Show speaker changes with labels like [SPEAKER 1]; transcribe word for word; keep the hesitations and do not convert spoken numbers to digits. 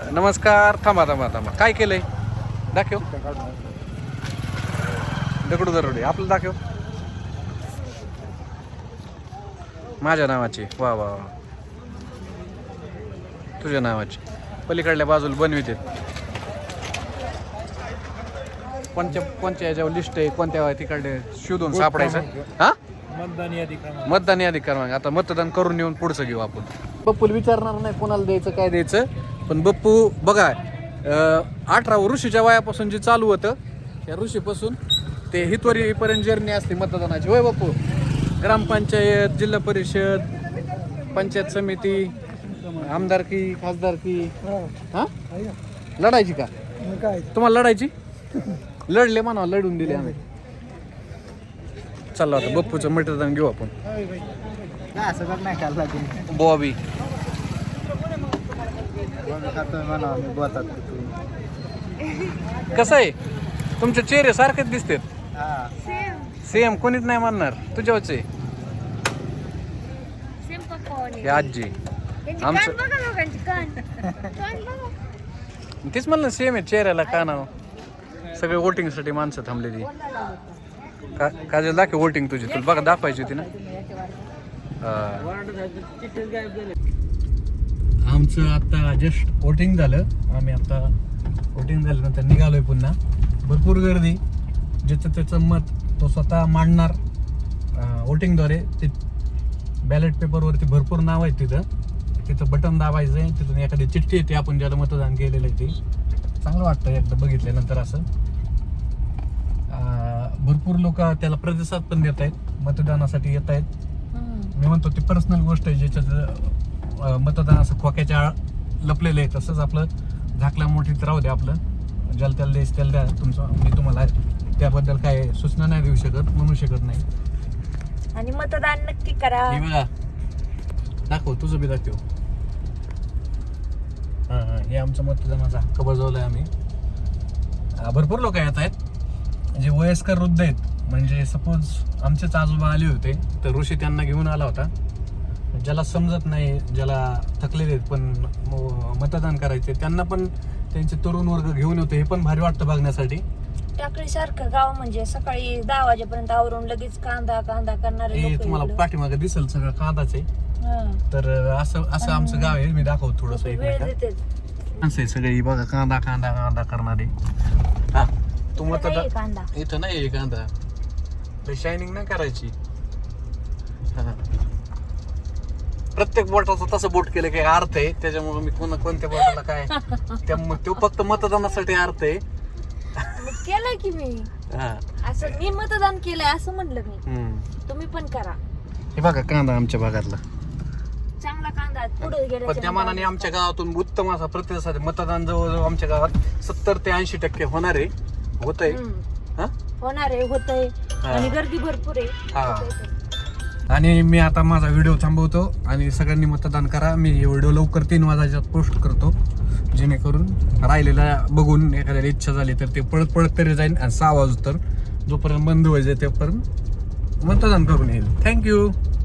[SPEAKER 1] नमस्कार. थांबा थांबा थांबा काय केलंय दाखव. दगडू दरोडे आपलं दाखव. माझ्या नावाची. वा वा वा. तुझ्या नावाची. पलीकडल्या बाजूला बनविते. कोणत्या कोणत्या याच्यावर लिस्ट आहे, कोणत्या तिकडे शोधून सापडायचं. हा
[SPEAKER 2] मतदान यादी क्रमांक.
[SPEAKER 1] मतदान यादी क्रमांक. आता मतदान करून येऊन पुढचं घेऊ आपण. बप्पूला विचारणार नाही कोणाला द्यायचं काय द्यायचं, पण बप्पू बघा अठरा ऋषीच्या वयापासून जे चालू होतं त्या ऋषीपासून ते हितवरीपर्यंत जर्नी असते मतदानाची. होय बप्पू. ग्रामपंचायत, जिल्हा परिषद, पंचायत समिती, आमदारकी, खासदारकी. हा लढायची का तुम्हाला? लढायची. लढले म्हणा, लढून दिले आम्ही. चला आता बप्पूचं मतदान घेऊ आपण. बॉबी कसं आहे तुमचे चेहरे सारखेच दिसतात. सेम. कोणीच नाही म्हणणार तुझ्यावरचे. हे आजी आमचं तेच म्हणलं सेम आहे चेहऱ्याला काना. सगळे वोटिंगसाठी माणसं थांबलेली. का काजल दाखव वोटिंग तुझी. तुला बघा दाखवायची होती ना. आमचं आता जस्ट वोटिंग झालं. आम्ही आता वोटिंग झाल्यानंतर निघालोय पुन्हा. भरपूर गर्दी. ज्याचं त्याचं मत तो स्वतः मांडणार वोटिंगद्वारे. ते बॅलेट पेपरवरती भरपूर नाव आहेत. तिथं तिथं बटन दाबायचं आहे. तिथून एखादी चिठ्ठी येते आपण ज्याला मतदान केलेलं आहे ते. चांगलं वाटतं एकदा बघितल्यानंतर असं. भरपूर लोक त्याला प्रतिसाद पण देत आहेत, मतदानासाठी येत आहेत. मी म्हणतो ती पर्सनल गोष्ट आहे ज्याच्यात मतदान असं खोक्याच्या आळ लपलेलं आहे. तसंच आपलं झाकल्या मोठीत राहू द्या. आपलं ज्याला त्याला देश त्याला द्या. तुमचं मी तुम्हाला त्याबद्दल काय सूचना नाही देऊ शकत, म्हणू शकत नाही.
[SPEAKER 3] आणि मतदान नक्की करा.
[SPEAKER 1] हे बघा दाखव तुझं बी दाखव. हां हां हे आमचं मतदानाचा हक्क बजावलाय आम्ही. भरपूर लोक येत आहेत जे वयस्कर वृद्ध आहेत. म्हणजे सपोज आमचेच आजोबा आले होते तर ऋषी त्यांना घेऊन आला होता. ज्याला समजत नाही, ज्याला थकलेले आहेत पण मतदान करायचे त्यांना पण त्यांचे तरुण वर्ग घेऊन होते. हे पण भारी वाटतं बघण्यासाठी.
[SPEAKER 3] टाकळी सारखं गाव म्हणजे सकाळी दहा वाजेपर्यंत आवरून लगेच कांदा कांदा करणारे
[SPEAKER 1] हे
[SPEAKER 3] लोक.
[SPEAKER 1] तुम्हाला पाठीमागे दिसेल सगळं कांदाच आहे. तर असं असं आमचं गाव आहे. मी दाखवतो थोडंसं एक
[SPEAKER 3] वेळ
[SPEAKER 1] मिनिट.
[SPEAKER 3] देते.
[SPEAKER 1] माणसं सगळी बघा कांदा कांदा कांदा करणारे. हा तू मतदान
[SPEAKER 3] कांदा
[SPEAKER 1] इथं नाही कांदा. शायनिंग नाही करायची. प्रत्येक बोटाचं तसं बोट केलं काही अर्थ आहे. त्याच्यामुळे मी कोणा कोणत्या बोटाला काय त्या तो फक्त मतदानासाठी अर्थ आहे.
[SPEAKER 3] केलं की मी असं मी मतदान केलंय असं म्हणलं मी. तुम्ही पण करा.
[SPEAKER 1] हे बघा कांदा आमच्या भागातला
[SPEAKER 3] चांगला कांदा पुढे गेला.
[SPEAKER 1] पण त्या मानाने आमच्या गावातून उत्तम असा प्रतिसाद. मतदान जवळजवळ आमच्या गावात सत्तर ते ऐंशी टक्के होणार आहे. होत आहे
[SPEAKER 3] होणार आहे होत आहे आणि गर्दी भरपूर आहे.
[SPEAKER 1] आणि मी आता माझा व्हिडिओ थांबवतो आणि सगळ्यांनी मतदान करा. मी हे व्हिडिओ लवकर तीन वाजायच्यात पोस्ट करतो जेणेकरून राहिलेला बघून एखाद्याला इच्छा झाली तर ते पळत पळत तरी जाईल. आणि सहा वाजू तर जोपर्यंत बंद व्हायचं तोपर्यंत मतदान करून येईल. थँक्यू.